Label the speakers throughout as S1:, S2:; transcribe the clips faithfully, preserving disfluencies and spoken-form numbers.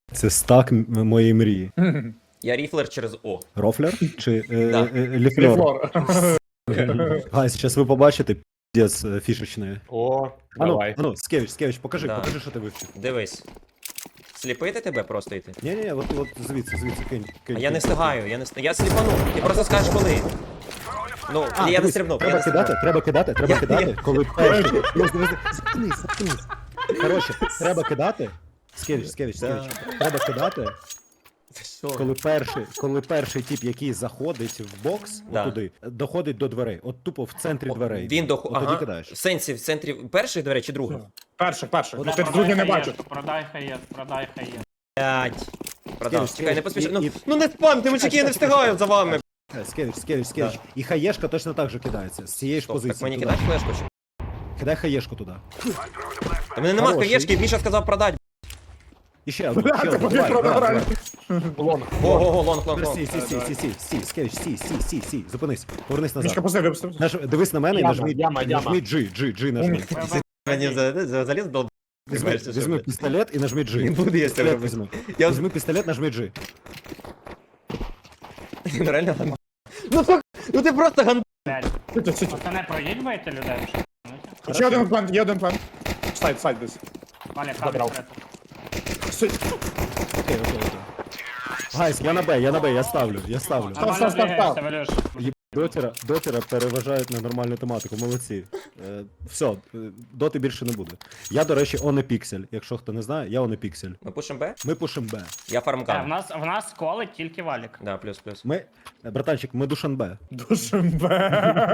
S1: Це стак м- моєї мрії.
S2: Я ріфлер через О.
S1: Рофлер чи е,
S2: Да.
S1: е, ліфлер?
S3: Флор.
S1: Гайс, зараз ви побачите піздець е, фішечної.
S3: О,
S1: Ану,
S3: давай.
S1: ану, Скевич, Скевич, покажи,
S2: Да.
S1: покажи, що ти вивчив.
S2: Дивись. Сліпити тебе просто йти?
S1: Ні, ні, от, от звідси, звідси, кинь, кинь.
S2: А я
S1: кинь.
S2: не встигаю, я не встигаю. Я сліпану. Ти просто скажеш коли. Ну,
S1: А,
S2: я не
S1: дивись,
S2: стрибнув, я
S1: треба
S2: не
S1: кидати,
S2: стрибнув.
S1: треба кидати, треба
S2: Я-
S1: кидати,
S2: я-
S1: коли перший. Дивись, дивись, заткнись, заткнись. Коротше, треба кидати. Скевич, Скевич,
S2: Да.
S1: Скевич. Треба кидати,
S2: Це що?
S1: коли перший, коли перший тип, який заходить в бокс,
S2: Да.
S1: туди, доходить до дверей. От тупо в центрі
S2: О,
S1: дверей.
S2: Він до...
S1: От тоді
S2: Ага.
S1: кидаєш.
S2: В сенсі, в центрі перших дверей чи других?
S3: Перший, перший.
S1: От
S3: Ну, ти
S1: продай
S3: другий не бачиш.
S4: Продай хаєс, продай хаєс.
S2: Блять. Продав.
S1: Скевич,
S2: Чекай, не
S1: Скевич,
S2: поспішай.
S1: і-
S2: Ну,
S1: і-
S2: ну не спамте, мужики, я не встигаю за вами.
S1: Е, Скевич, Скевич, Скевич. І хаєшка точно так же кидається. З цієї ж
S2: Стоп,
S1: позиції.
S2: так мені
S1: туди.
S2: кидаєш флешку чи?
S1: Кидай хаєшку туди.
S2: Та мене нема
S1: Хороший.
S2: хаєшки, Міша сказав продать.
S1: І ще одну,
S3: Бля,
S1: ще
S3: ти
S1: одну.
S3: побіг
S1: Давай,
S3: продав
S1: давай,
S3: реально.
S1: давай.
S3: Лонг.
S2: Ого-го, лонг, лонг,
S1: Тепер Сі,
S2: лонг.
S1: сі, сі, сі, сі, сі, Скевич, сі, сі, сі, сі. Зупинись, повернись
S3: Мішка,
S1: назад.
S3: пусти, випусти.
S1: Наж... Дивись на мене і
S3: Яма,
S1: нажми,
S3: яма, яма.
S1: нажми G, G, G нажми.
S2: Мені за- за- заліз дол...
S1: Візьми, візьми пістолет і нажми G.
S2: Не буду я це
S1: Пістолет
S2: робити.
S1: візьми.
S2: Я
S1: Візьми пістолет, нажми G.
S2: Ну реально ган... Ну так, ну ти просто ган...
S4: Блядь.
S3: Сіті, сіті.
S4: Пацани, проїдьбаєте людей?
S3: Ще один план, є один план. Сайд, сайд десь.
S4: Валя,
S3: Забрав.
S4: кабель.
S3: Сидь.
S1: Окей, окей, окей. Гайс, я на Б, я на Б, я ставлю, я ставлю.
S3: Став,
S4: Нормально
S3: став, став,
S4: бігаєшся,
S3: став.
S4: Валюш.
S1: Є- Дотера, дотера переважають на нормальну тематику, молодці. Е, все, е, доти більше не буде. Я, до речі, он піксель. Якщо хто не знає, я он піксель.
S2: Ми пушим Б?
S1: Ми пушим Б.
S2: Я
S4: Е, В
S2: фармкан.
S4: нас, в нас колить тільки валік.
S2: Да, плюс, плюс.
S1: Ми, е, братанчик, ми Душанбе.
S3: Душенбе.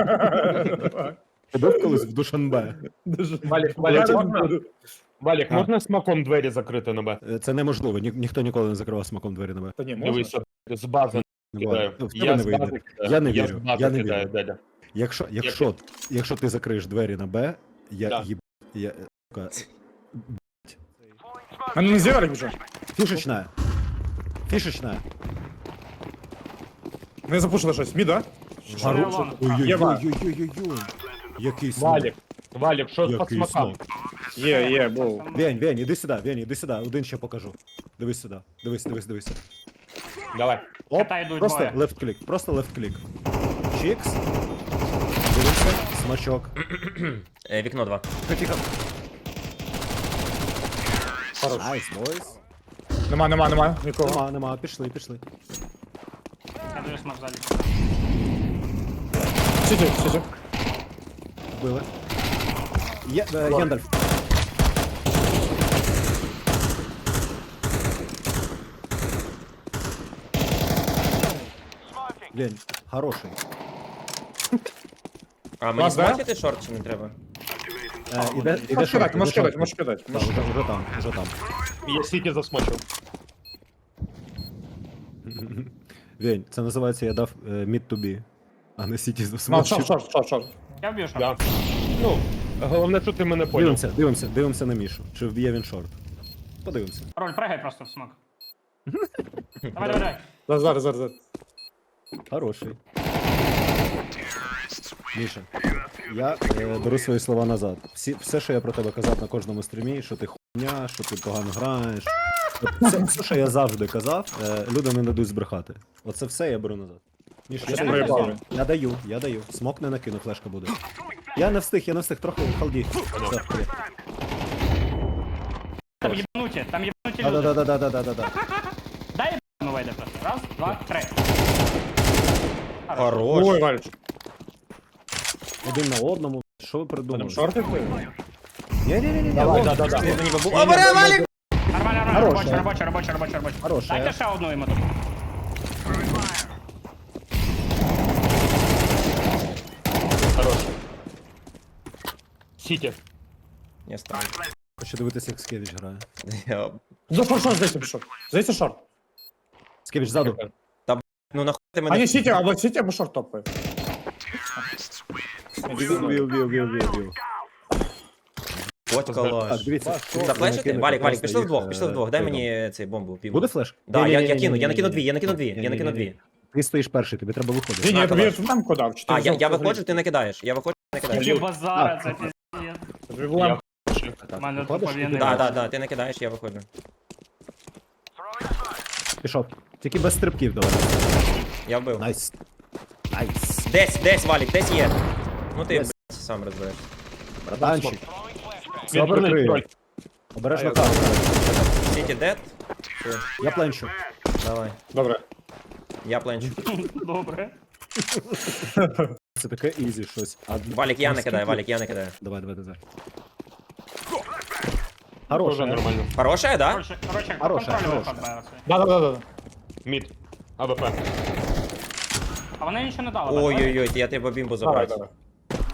S1: Ти був колись в Душанбе?
S3: Валік, Валік, можна? Валік, можна смаком двері закрити на Б?
S1: Е, Це неможливо, ні, ніхто ніколи не закривав смаком двері на Б.
S3: Та ні, можна.
S5: Дивись, з бази
S1: Не
S5: кидаю.
S1: буває. В тебе
S5: Я
S1: не
S5: з
S1: вийде.
S5: бази кидаю.
S1: Я не
S5: з
S1: вірю,
S5: бази
S1: я не
S5: кидаю,
S1: вірю.
S5: Деля.
S1: Якщо, якщо, якщо ти закриєш двері на Б, я
S5: Да.
S1: їб... Я, сука,
S3: А ну не зірали вже.
S1: фішечна. Фішечна.
S3: Не запушили щось. Мі, да?
S1: Хорош.
S4: Лонг.
S3: Єба.
S1: Ой-ой-ой-ой-ой-ой. Який смак.
S5: Валік, Валік, що з
S1: Який
S5: смаком?
S1: смак.
S3: Є, є, був.
S1: Вень, Вень, іди сюди, Вень, іди сюди, один ще покажу. Дивись сюди, дивись, дивись, дивись.
S5: Давай.
S1: Оп,
S4: Кота йдуть
S1: просто
S4: двоє.
S1: left клік, просто left клік. Чікс. Дивися, смачок.
S2: Е, вікно два.
S1: Тихо.
S3: Хорош.
S1: Найс, бойс.
S3: Нема, нема, нема. Нікого.
S1: Нема, нема, пішли, пішли.
S4: Я даю смак залі.
S3: Сіті, сіті.
S1: Вбили. Є, е, Гендальф. Лень, хороший.
S2: А мені
S3: Вас, да?
S2: смачити шорт чи не треба?
S1: Е, іде, іде
S3: Можеш
S1: шорт,
S3: кидати, можеш
S1: іде
S3: кидати,
S1: шорт.
S3: можеш кидати.
S1: Так, уже, уже там, уже там.
S5: Я сіті засмочив.
S1: Вень, це називається я дав е, mid to be, а не сіті
S3: Ну,
S1: засмочив.
S3: шорт, шорт, шорт, шорт.
S4: Я вб'ю шорт.
S5: Да. Ну, головне, що ти мене поняв.
S1: Дивимося, дивимося, дивимося на Мішу. Чи вб'є він шорт. Подивимося.
S4: Роль, пригай просто в смак. Давай, давай, давай.
S3: Зараз, зараз, зараз, зараз.
S1: Хороший. Міша, я е, беру свої слова назад. Всі, все, що я про тебе казав на кожному стрімі, що ти хуйня, що ти погано граєш. От Все, все, що я завжди казав, е, люди не дадуть збрехати. Оце все я беру назад. Міш, я,
S3: Що
S1: даю,
S3: проїбали?
S1: я даю, я даю. Смок не накину, флешка буде. Я не встиг, я не встиг, трохи в халді. Все, привіт.
S4: Там єбнуті, там єбнуті люди.
S1: Да-да-да-да-да-да-да.
S4: Дай єбну вийде просто. Раз, два, три.
S2: Хорош.
S3: Ой, Валіч.
S1: Один на одному. Що ви
S3: Там
S1: придумали?
S3: шорти були?
S1: Ні-ні-ні,
S5: Давай, да, да, да.
S2: Мені бабу... О, бере, Валік!
S4: Нормально, нормально,
S1: Хороша.
S4: робоча, робоча, робоча, робоча, робоча.
S1: Хороша.
S4: Дайте ще одну йому тут.
S5: Хорош. Сіті.
S2: Я стану.
S1: Хочу дивитися, як Скевич грає.
S2: Я...
S3: За шорт, шорт, здається, пішов. Здається, шорт.
S1: Скевич ззаду.
S2: Ну нахуй ти
S3: А
S2: мене...
S3: не сіті, або сіті, або шорт топає.
S1: Вів, вів, вів, вів, вів.
S2: От
S1: Так,
S2: калаш.
S1: дивіться.
S2: Зафлешити? Валік, Валік, пішли вдвох,
S1: їх,
S2: пішли
S1: е,
S2: вдвох. Дай
S1: прийдом.
S2: мені цей бомбу, піву.
S1: Буде флеш?
S2: Да, я, я
S1: Ні-ні-ні-ні-ні-ні.
S2: кину, я накину дві, я накину дві, я накину
S1: Ні-ні-ні-ні.
S2: дві.
S1: Ти стоїш перший, тобі треба
S3: Ні,
S1: виходити.
S3: ні,
S2: На,
S3: тобі
S2: калаш.
S3: там кодав. чи ти
S2: А, я,
S3: взяв
S2: я
S3: цю
S2: виходжу,
S3: грі?
S2: ти накидаєш. Я виходжу, ти накидаєш.
S4: Які базара, це піздець.
S3: Тобі була-
S4: У мене
S1: Виходиш?
S4: туповільний.
S2: Да, да, да, ти накидаєш, я виходжу.
S1: Пішов. Тільки без стрибків давай.
S2: Я вбив.
S1: Найс. Найс.
S2: Десь, десь, Валік, десь є. Ну ти,
S1: Десь.
S2: блядь, сам розбереш.
S1: Братанчик. Все
S5: Відвернись,
S1: прикрию.
S5: троль.
S1: Обережно
S5: А, я
S1: карту.
S2: Сіті дед?
S1: Я пленчу.
S2: Давай.
S5: Добре.
S2: Я пленчу.
S4: Добре.
S1: Це таке ізі щось. А
S2: Валік, я не
S1: наскільки-
S2: кидаю, Валік, я не кидаю.
S1: Давай, давай, давай.
S5: Тоже
S1: Хороше.
S5: нормально.
S2: Хорошая, да?
S4: Короче, короче,
S1: Хороша,
S4: контролюй
S1: хороша.
S4: виход Береси.
S5: Да-да-да. Мід. АВП.
S4: А вони нічого не дали. так, Валік?
S2: Ой-ой-ой, я тебе бімбу
S5: Давай,
S2: забрав.
S5: давай.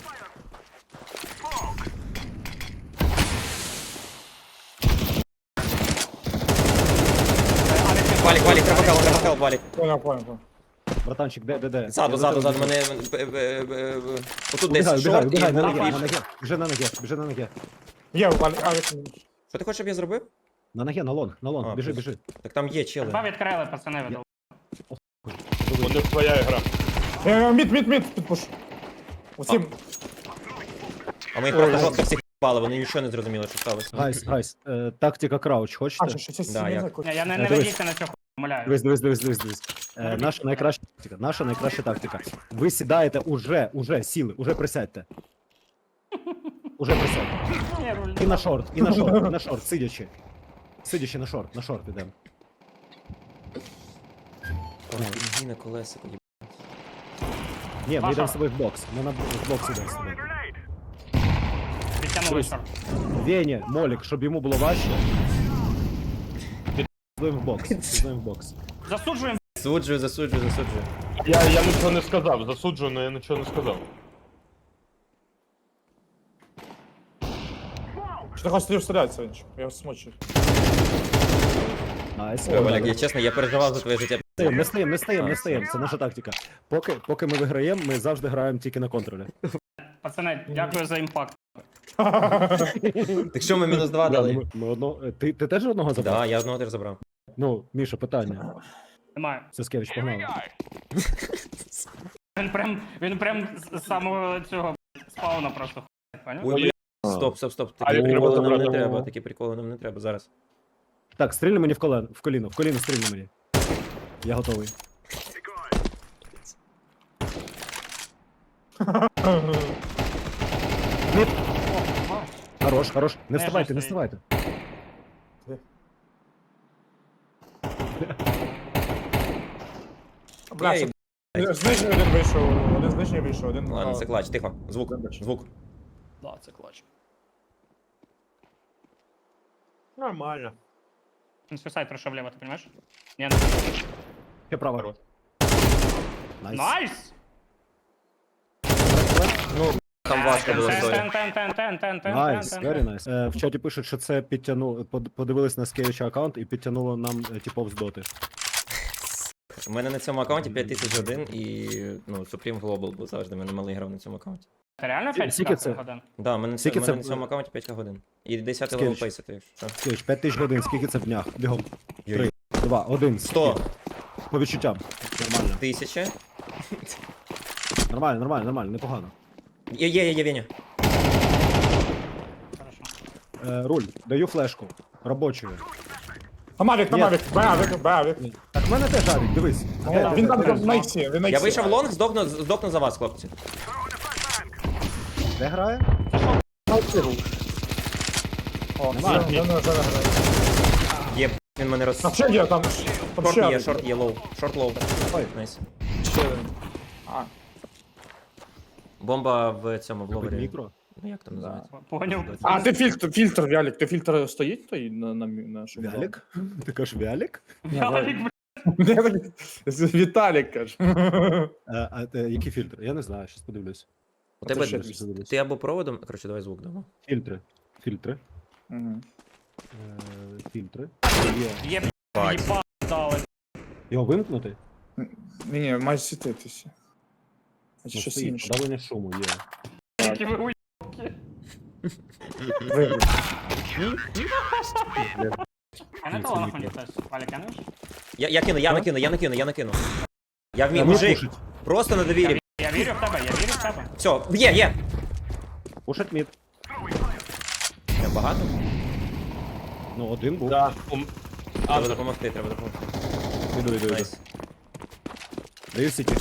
S2: Валік, Валік, треба хелп, треба хелп, Валік.
S5: Понял, понял, понял.
S1: Братанчик, де, де, де?
S2: Ззаду,
S1: Я
S2: ззаду,
S1: за
S2: ззаду,
S1: тебе
S2: мене... е, е, е, е, Отут
S1: Убігай,
S2: десь
S1: убігай,
S2: шорт і
S1: убігай, на ноги,
S2: був
S1: на
S2: піш.
S1: ноги. Біжи на ноги, біжи на ноги.
S5: Є, Валік, Авік.
S2: Що ти хочеш, щоб я зробив?
S1: На ноги, на лонг, на лонг,
S2: А,
S1: біжи,
S2: плюс.
S1: біжи.
S2: Так там є чили.
S4: Два відкрили, пацани, віддали.
S5: У них твоя гра.
S6: Е, Мід, мід, мід, підпуш. Усім.
S2: А ми їх просто жорстко всіх пали, вони нічого не зрозуміли, що сталося.
S1: Гайс, гайс, е, тактика крауч,
S6: А,
S1: хочете?
S6: що, щось
S2: Да,
S6: не
S2: як?
S6: знаю,
S4: Ні, я не,
S1: Е,
S4: не
S1: дивись.
S4: ведіться на цю хуйню, умоляю.
S1: Дивись, дивись, дивись, дивись, дивись. Е, наша найкраща тактика, наша найкраща тактика. Ви сідаєте уже, уже сіли, уже присядьте. Уже присядьте.
S4: Ні, руль.
S1: І на шорт, і на шорт, і на шорт, сидячи. Сидячи на шорт, на шорт ідемо.
S2: Ой, на колесико, їб.
S1: Ні, ми
S4: Паша.
S1: йдемо з тобою в бокс. Ми на в бокс йдемо з тобою.
S4: Підтягнули шорт.
S1: Веня, Молік, щоб йому було важче. Підемо в бокс, підемо в бокс.
S4: Засуджуємо.
S2: Засуджую, засуджую, засуджую.
S5: Я, я нічого не сказав, засуджую, але я нічого не сказав.
S6: Що ти хочеш стріл стріляти, Санечко? Я смочу.
S1: Найс.
S2: Ой, Валік, я чесно, я переживав за твоє життя.
S1: Не стаємо, не стаємо, не
S2: А,
S1: стаємо. Це наша тактика. Поки, поки ми виграємо, ми завжди граємо тільки на контролі.
S4: Пацани, дякую за імпакт.
S2: Так що ми мінус два
S1: Да,
S2: дали?
S1: ми, ми одно... е, ти, ти теж одного забрав?
S2: Да, я одного теж забрав.
S1: Ну, Міша, питання.
S4: Немає.
S1: Саскевич, погнали.
S4: Він прям, він прям з з самого цього спауна просто хуй, поняв?
S2: Ой, бля. Стоп, стоп, стоп.
S5: А,
S2: Такі
S5: я
S2: приколи
S5: треба
S2: нам не
S5: забрати.
S2: треба, такі приколи нам не треба зараз.
S1: Так, стрільни мені в колено, в коліно, в коліно стрільни мені. Я готовий. Мід. Хорош, хорош. Не
S4: Не
S1: вставайте, не
S4: жорсткий.
S1: вставайте.
S6: Бля,
S2: Я
S6: що...
S2: їб-
S6: З нижньої один вийшов, один з нижньої вийшов, один...
S2: Ладно,
S6: а,
S2: це клач, тихо. Звук, звук.
S4: Да, це клач.
S5: Нормально.
S4: Він свисайт пройшов вліво, ти розумієш? Ні, не.
S1: Я право. Найс.
S4: Найс!
S2: Ну, там важко було
S4: Тен,
S2: стоя.
S4: тен, тен, тен, тен, тен, тен,
S1: Найс,
S4: тен,
S1: very
S4: тен.
S1: nice. Е, в чаті пишуть, що це підтягнуло, под- подивились на Скевича аккаунт і підтягнуло нам е, типов з доти.
S2: У мене на цьому аккаунті п'ять тисяч один і ну, Supreme Global був завжди, в мене малий грав на цьому аккаунті.
S4: Ти реально
S1: Скільки
S4: п'ять
S1: це?
S4: годин?
S2: Да, у мене, це,
S1: Скільки
S2: у мене
S1: це
S2: на цьому
S1: було?
S2: аккаунті п'ять годин. І десять
S1: Скільки?
S2: левел пейсити, якщо що.
S1: Скевич, п'ять тисяч годин, скільки це в днях? Бігом.
S2: Йой.
S1: Три, два, один.
S2: Сто.
S1: По відчуттям. Нормально.
S2: Тисяча.
S1: Нормально, нормально, нормально, непогано.
S2: Є, є, є, є, Веня.
S4: Хорошо.
S1: Е, руль, даю флешку. Робочу.
S6: А Мавік, на
S1: Ні.
S6: Мавік, Мавік, Мавік.
S1: Так в мене теж авік, дивись. Де,
S6: Він
S1: де,
S6: там
S1: де,
S6: на іксі, він на
S2: Я
S6: іксі.
S2: вийшов в лонг, здохну, здохну за вас, хлопці.
S1: де грає?
S6: На іксі рух. О,
S1: Немає.
S6: все, він вже не грає.
S2: Є, він мене роз...
S6: А ще є там, там
S2: Шорт
S6: ще
S2: є,
S6: один.
S2: шорт є, лоу. Шорт лоу.
S1: Ой.
S2: Найс.
S6: Ще один. А,
S2: Бомба в цьому, в ловері.
S1: Мікро.
S2: Ну як там називається?
S4: Поняв.
S6: а ти фільтр, фільтр, Вялік, ти фільтр стоїть той на, на, на шуму?
S1: Вялік? Ти кажеш Вялік?
S4: Вялік, бля.
S6: Віталік, каже.
S1: Е, а, е, який фільтр? Я не знаю, щас подивлюсь.
S2: У тебе
S6: ще
S1: щось подивлюсь.
S2: ти або проводом. Коротше, давай звук дамо.
S1: Фільтри. Фільтри.
S6: Мгм.
S1: Е, фільтри. Є.
S4: Є,
S2: Бать.
S4: їба дали.
S1: Його вимкнути?
S6: Ні, ні, має світитися. А
S1: Ну,
S6: щось
S1: стоїть,
S6: інше.
S1: подавлення шуму є.
S4: Які ви уй-
S6: Виключ.
S4: А не того нахуй хтось. Валік, кинеш?
S2: Я, я кину, я накину, я накину, я накину. Я вмію,
S1: Та
S2: мужик.
S1: пушить.
S2: Просто на
S4: Я,
S2: довірі.
S4: ві- я вірю в тебе, я вірю в тебе.
S2: Все, є, є.
S1: Пушать мід.
S2: Я багато?
S1: Ну, один був.
S5: Да. У,
S2: Треба
S5: Андер.
S2: допомогти, треба допомогти.
S1: Іду, іду, іду.
S2: Найс.
S1: Даю сіті.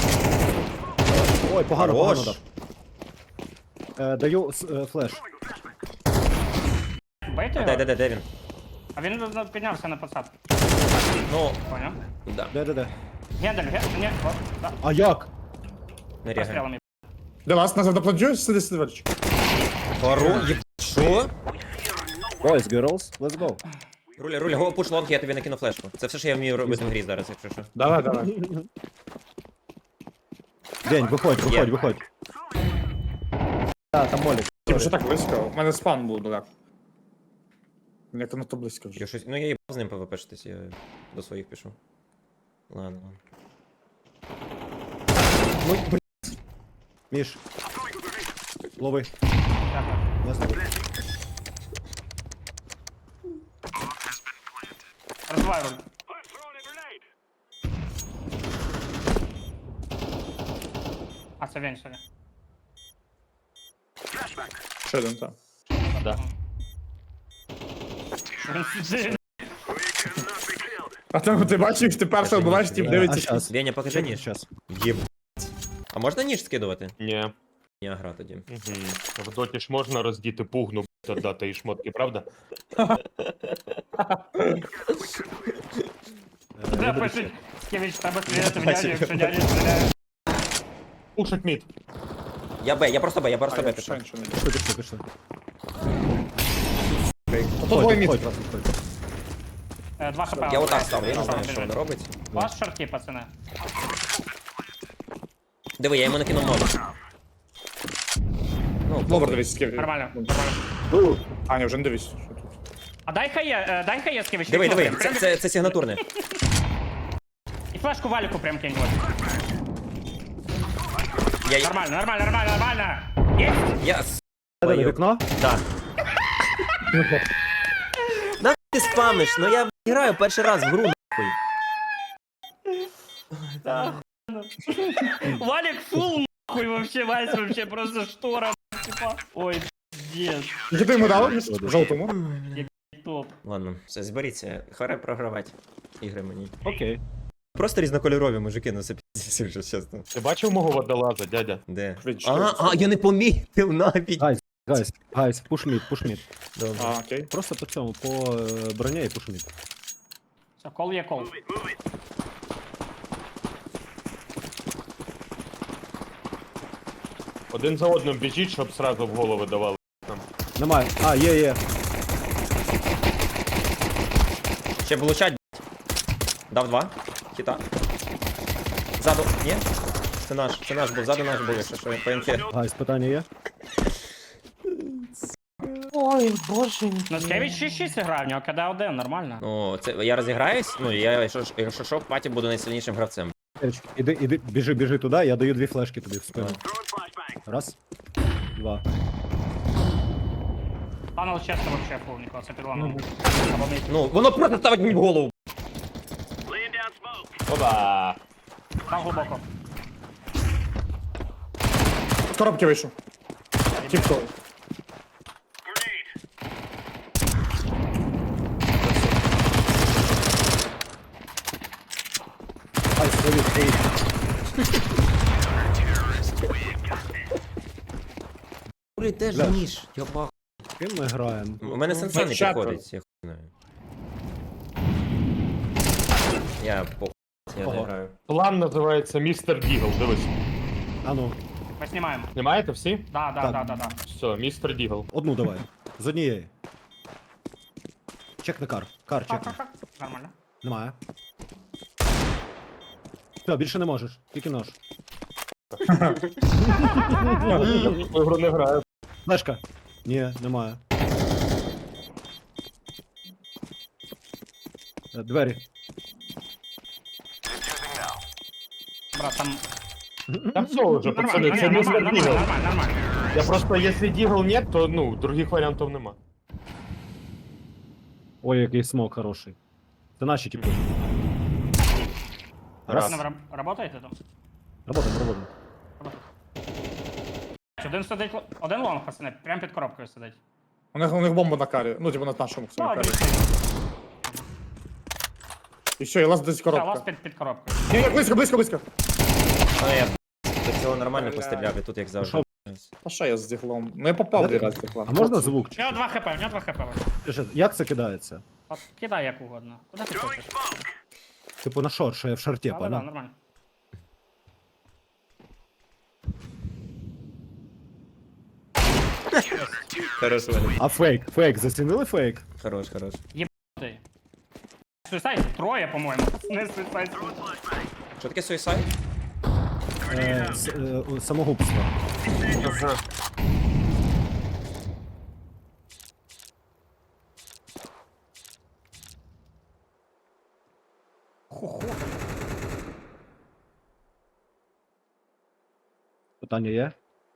S1: Ой, погано,
S2: Хорош.
S1: погано дав. Е, даю с- е, флеш.
S4: Бейте
S2: Де,
S4: його?
S2: де, де, де він?
S4: А він ну, піднявся на посадку.
S2: Ну,
S4: Поняв?
S2: да,
S1: Де, де, де?
S4: Гендель, ге... Ні, о, да.
S1: А як?
S2: не рягає.
S4: Пострілами.
S6: Де вас назад допланджуєш, сиди, сиди, Валічик.
S2: Хоро, є... Що?
S1: Boys, girls, let's go.
S2: Руля, руля, го, пуш лонг, я тобі накину флешку. Це все, що я вмію робити в грі зараз, якщо що.
S6: Давай, давай.
S1: День, виходь,
S2: Є.
S1: виходь, виходь. А, там молік.
S6: Типу, що так близько? У мене спан був далеко. Як на то близько вже.
S2: Я щось... Ну я їбав з ним пвпшитись, я до своїх пішов. Ладно, ладно.
S1: Ну, блін. Міш. Лови.
S4: Дякую.
S1: Не злови.
S4: Розвивай руль. А, це він, сорі.
S6: Ще один, так.
S5: Да.
S4: Він сидить.
S6: А там ти бачиш, ти першого буваєш, тип
S1: Е, А
S6: дивиться.
S1: щас.
S2: Веня, покажи ніж.
S1: Щас.
S2: Єбать. А можна ніж скидувати?
S5: Ні.
S2: Ні, гра тоді.
S5: Угу. В доті ж можна роздіти пугну, б**, дати і шмотки, правда?
S1: Е,
S4: Де
S1: я буду
S4: пишуть?
S1: ще.
S4: Скевич, треба стріляти в дядю, якщо дядя стріляє.
S5: Пушить мід.
S2: Я Б, я просто Б, я просто
S6: А,
S2: Б
S6: я
S2: пішов.
S6: ще нічого не
S1: Пішли, пішли, пішли.
S6: Ото двоє
S1: Виходь,
S6: міст.
S1: виходь, раз, виходь.
S4: Е, Два хп.
S2: Я отак ставлю, я не знаю, що вона робить.
S4: Ваш шорті, пацани.
S2: Диви, я йому накинув мову. Ну,
S6: Ловер дивись, скіп.
S4: Нормально, нормально.
S6: А, ні, вже не дивись. Що тут?
S4: А дай хає, е, дай хає, Скевич.
S2: диви,
S4: вікно
S2: диви,
S4: прям,
S2: це,
S4: прям-
S2: це, це сигнатурне.
S4: І флешку валіку прям кинь. от.
S2: Я,
S4: Нормально, нормально, нормально, нормально. Є?
S2: я, с***,
S1: Де, де,
S2: Ой,
S1: вікно?
S2: да. Нахуй ти спамиш? Ну я б**, граю перший раз в гру, нахуй.
S4: Валік фул нахуй вообще, Вась вообще просто штора, типа. Ой, пиздец,
S6: Які ти йому дав? В жовтому?
S4: топ.
S2: Ладно, все, зберіться. Харе програвати ігри мені.
S1: Окей.
S2: Просто різнокольорові мужики, ну це піздець, якщо чесно.
S5: Ти бачив мого водолаза, дядя?
S2: Де?
S6: Twitch,
S2: А,
S6: Twitch.
S2: а, я не помітив навіть.
S1: Гайс, гайс, гайс, пуш мід, пуш мід.
S2: Добре.
S6: А, окей.
S1: Просто по цьому, по е, броні і пуш мід.
S4: Все, кол є кол.
S5: Один за одним біжіть, щоб сразу в голови давали.
S1: Немає. А, є, є.
S2: Ще влучать, блядь. Дав два. Хіта. Ззаду. Ні? Це наш, це наш був, ззаду наш був, якщо що, по інфі.
S1: Гайс, питання є?
S4: Ну, Скевич шість шість грав, в нього КД один, нормально.
S2: Ну, це я розіграюсь, ну я, якщо, ж- якщо що, в паті буду найсильнішим гравцем.
S1: Ерич, іди, іди, біжи, біжи туди, я даю дві флешки тобі в спину. Раз. Два.
S4: Панел чесно вообще фул, Нікола, це підломано. Або мій.
S2: Ну, воно просто ставить мені в голову.
S5: Опа!
S4: Там глибоко.
S6: З коробки вийшов. Тіп-топ.
S1: Гайс, привіт, привіт.
S2: Блін, теж
S1: Бля.
S2: ніж, я бах.
S1: Ким ми граємо?
S2: У мене сенса не
S6: четверо.
S2: підходить, я хуй знаю. Я по я не
S1: Ого.
S2: граю.
S5: План називається Містер Дігл, дивись.
S1: А ну,
S4: Ми знімаємо.
S5: Знімаєте всі?
S4: Да, да,
S1: Так.
S4: да, да, да.
S5: Все, містер Дігл.
S1: одну давай. З однієї. Чекни кар. Кар чекни.
S4: Ха-ха-ха. Нормально.
S1: Немає. Все, більше не можеш. Тільки нож.
S5: Я в цю ігру не граю.
S1: Флешка. Ні, немає. Е, Двері.
S4: Брат, там...
S5: Та все вже, пацани,
S4: Нормально,
S5: це
S4: ні,
S5: містер
S4: нормально,
S5: Дігл.
S4: нормально, нормально.
S5: Я просто, якщо Дігл нет, то ну, других варіантів нема.
S1: Ой, який смок хороший. Це наші типу.
S5: Раз.
S4: Ви раб- Работаєте там?
S1: Работаємо, работаємо.
S4: Один сидить, л- один лонг, пацани, прям під коробкою сидить.
S6: У них, у них бомба на карі. Ну, типу на нашому
S4: Ну,
S6: карі.
S4: один сидить.
S6: І все, і лаз десь
S4: Все, у вас
S6: коробка.
S4: під, під коробкою.
S6: Ні, ні, близько, близько, близько.
S2: А я до цього нормально постріляв, і тут як завжди.
S6: А що я з діглом? Ну я попав дві рази з дігла.
S1: А можна звук?
S4: У нього два хп, у нього два хп.
S1: Чи- Як це кидається?
S4: От кидай як угодно. Куди ти хочеш?
S1: Типу на шорт, що я в шорті,
S4: Але да,
S1: понял?
S4: нормально.
S2: Хорош, Валік.
S1: А фейк, фейк, зацінили фейк?
S2: Хорош, хорош.
S4: Ти. Суїсайд троє, по-моєму. Не суїсайд.
S2: Що таке суїсайд?
S1: Е, с- е, самогубство. Питання є?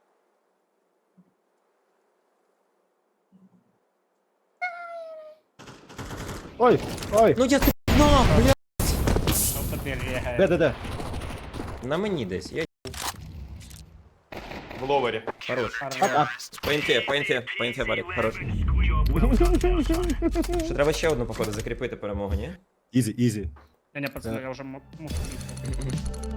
S1: Ой, ой,
S2: Ну я тут на, бля.
S4: Що тобі рігає?
S1: де, де, де?
S2: На мені десь. Я
S5: В ловері.
S2: хорош.
S4: Хорош.
S2: По інфі, по інфі, по інфі, Валік, хорош. Що треба ще одну, походу, закріпити перемогу, ні?
S1: Ізі, ізі.
S4: Ні, ні, пацани, я вже м- мушу бігти.